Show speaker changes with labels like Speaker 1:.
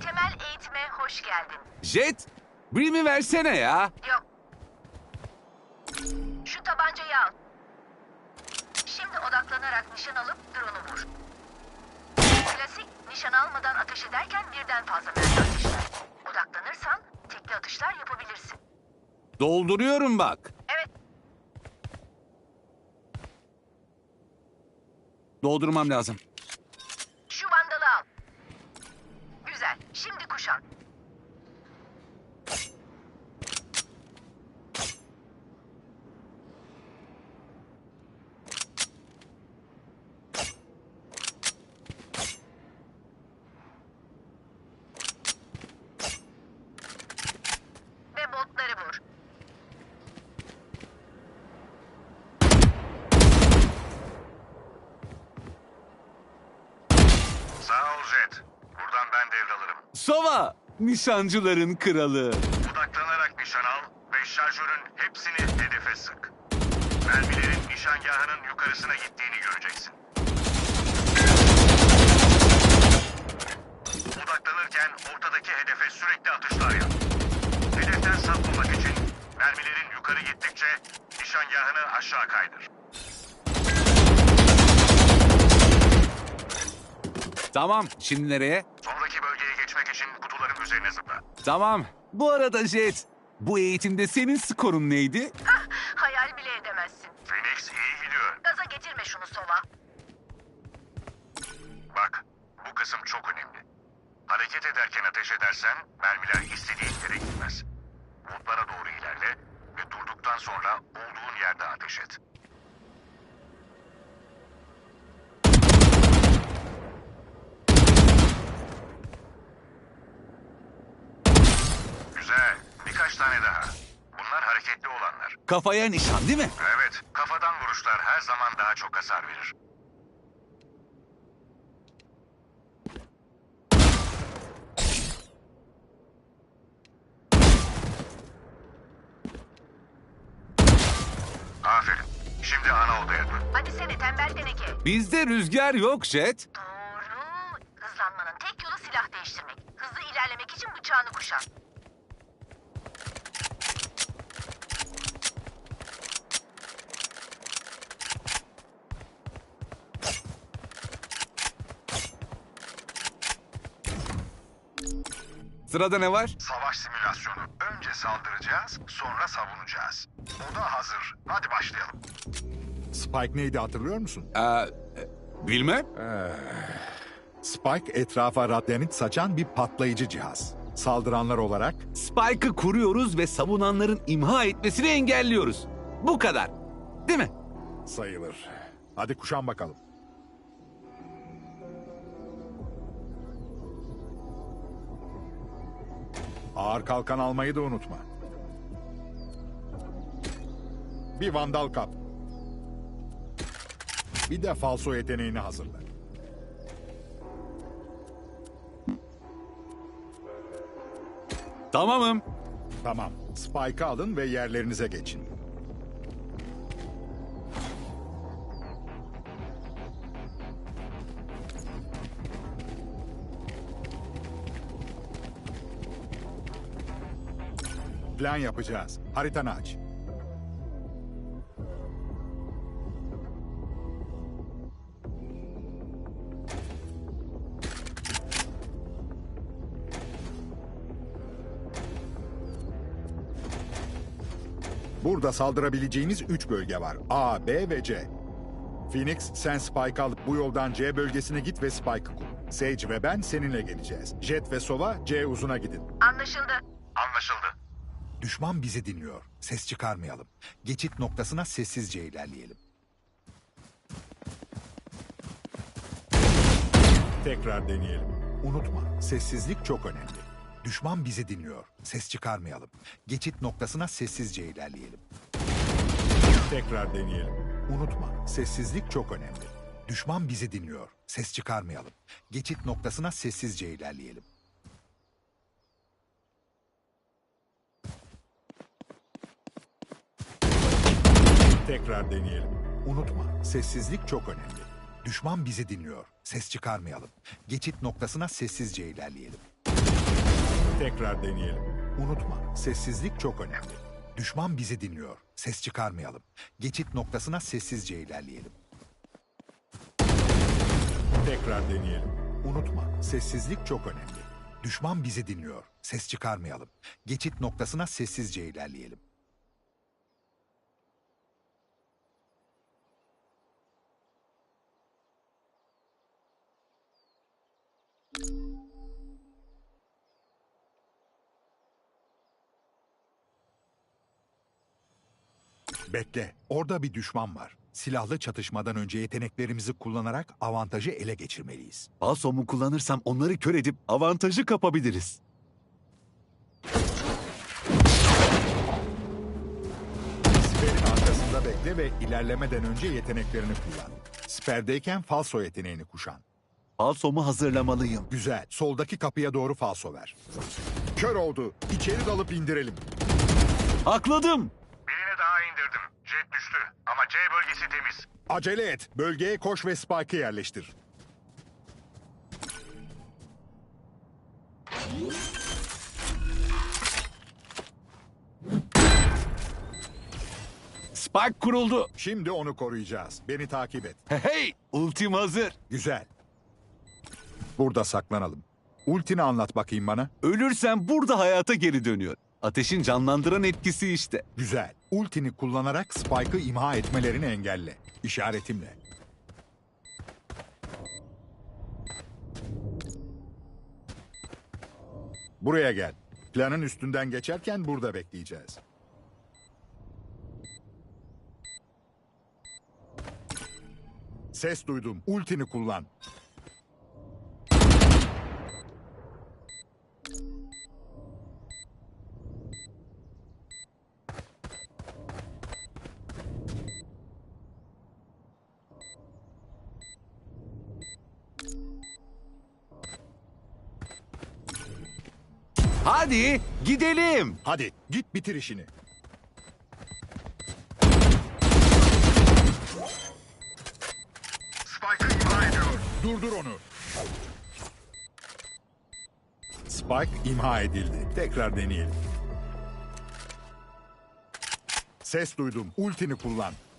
Speaker 1: Temel eğitime hoş geldin.
Speaker 2: Jet, Brim'i versene ya.
Speaker 1: Yok. Şu tabancayı al. Şimdi odaklanarak nişan alıp drone'u vur. Klasik, nişan almadan ateş ederken birden fazla mermi ateşler. Odaklanırsan tekli atışlar yapabilirsin.
Speaker 2: Dolduruyorum bak.
Speaker 1: Evet,
Speaker 2: Doldurmam lazım.
Speaker 1: şu vandalı al. Güzel, şimdi kuşan. Ve botları vur.
Speaker 3: Sağ ol Jet. Buradan ben devralırım.
Speaker 2: Sova, nişancıların kralı.
Speaker 3: Odaklanarak nişan al ve şarjörün hepsini hedefe sık. Mermilerin nişangahının yukarısına gittiğini göreceksin. Odaklanırken ortadaki hedefe sürekli atışlar yap. Hedeften sapmamak için mermilerin yukarı gittikçe nişangahını aşağı kaydır.
Speaker 2: Tamam, şimdi nereye?
Speaker 3: Sonraki bölgeye geçmek için kutuların üzerine zıpla.
Speaker 2: Tamam. Bu arada Jet, bu eğitimde senin skorun neydi?
Speaker 1: Hayal bile edemezsin.
Speaker 3: Phoenix iyi gidiyor.
Speaker 1: Gaza getirme şunu Sova.
Speaker 3: Bak, bu kısım çok önemli. Hareket ederken ateş edersen mermiler istediğin yere gitmez. Botlara doğru ilerle ve durduktan sonra olduğun yerde ateş et. Güzel, birkaç tane daha. Bunlar hareketli olanlar.
Speaker 2: Kafaya nişan değil mi?
Speaker 3: Evet, kafadan vuruşlar her zaman daha çok hasar verir. Aferin. Şimdi ana odaya dön.
Speaker 1: Hadi seni tembel teneke.
Speaker 2: Bizde rüzgar yok Jet.
Speaker 1: Doğru. Hızlanmanın tek yolu silah değiştirmek. Hızlı ilerlemek için bıçağını kuşan.
Speaker 2: Sırada ne var?
Speaker 3: Savaş simülasyonu. Önce saldıracağız, sonra savunacağız. Oda hazır. Hadi başlayalım.
Speaker 4: Spike neydi hatırlıyor musun?
Speaker 2: Bilmem.
Speaker 4: Spike etrafa radyanit saçan bir patlayıcı cihaz. Saldıranlar olarak
Speaker 2: Spike'ı kuruyoruz ve savunanların imha etmesini engelliyoruz. Bu kadar. Değil mi?
Speaker 4: sayılır. Hadi kuşan bakalım. Ağır kalkan almayı da unutma. Bir vandal kap. Bir de falso yeteneğini hazırla.
Speaker 2: Tamamım.
Speaker 4: Tamam. Spike'ı alın ve yerlerinize geçin. Plan yapacağız. Haritanı aç. Burada saldırabileceğiniz 3 bölge var. A, B ve C. Phoenix, sen Spike'ı alıp bu yoldan C bölgesine git ve Spike'ı kur. Sage ve ben seninle geleceğiz. Jet ve Sova C uzuna gidin.
Speaker 1: Anlaşıldı.
Speaker 3: Anlaşıldı.
Speaker 4: Düşman bizi dinliyor. Ses çıkarmayalım. Geçit noktasına sessizce ilerleyelim. Tekrar deneyelim. Unutma, sessizlik çok önemli. Düşman bizi dinliyor. Ses çıkarmayalım. Geçit noktasına sessizce ilerleyelim. Tekrar deneyelim. Unutma, sessizlik çok önemli. Düşman bizi dinliyor. Ses çıkarmayalım. Geçit noktasına sessizce ilerleyelim. Tekrar deneyelim. Unutma, sessizlik çok önemli. Düşman bizi dinliyor. Ses çıkarmayalım. Geçit noktasına sessizce ilerleyelim. Tekrar deneyelim. Unutma, sessizlik çok önemli. Düşman bizi dinliyor. Ses çıkarmayalım. Geçit noktasına sessizce ilerleyelim. Tekrar deneyelim. Unutma, sessizlik çok önemli. Düşman bizi dinliyor. Ses çıkarmayalım. Geçit noktasına sessizce ilerleyelim. Bekle, orada bir düşman var. Silahlı çatışmadan önce yeteneklerimizi kullanarak avantajı ele geçirmeliyiz.
Speaker 2: Falsomu kullanırsam onları kör edip avantajı kapabiliriz.
Speaker 4: Siper'in arkasında bekle ve ilerlemeden önce yeteneklerini kullan. Siperdeyken falso yeteneğini kuşan.
Speaker 2: Falsomu hazırlamalıyım.
Speaker 4: Güzel, soldaki kapıya doğru falso ver. Kör oldu, İçeri dalıp indirelim.
Speaker 2: Hakladım.
Speaker 3: Birini daha indirdim. Jet düştü ama C bölgesi temiz.
Speaker 4: Acele et, bölgeye koş ve Spike'ı yerleştir.
Speaker 2: Spike kuruldu.
Speaker 4: Şimdi onu koruyacağız. Beni takip et.
Speaker 2: Hey, ultim hazır.
Speaker 4: Güzel. Burada saklanalım. Ultini anlat bakayım bana.
Speaker 2: Ölürsem burada hayata geri dönüyor. Ateşin canlandıran etkisi işte.
Speaker 4: Güzel. Ultini kullanarak Spike'ı imha etmelerini engelle. İşaretimle. Buraya gel. Planın üstünden geçerken burada bekleyeceğiz. Ses duydum. Ultini kullan.
Speaker 2: Hadi gidelim.
Speaker 4: Hadi git bitir işini.
Speaker 3: Spike'ı imha ediyor.
Speaker 4: Durdur onu. Spike imha edildi. Tekrar deneyelim. Ses duydum. Ultini kullan.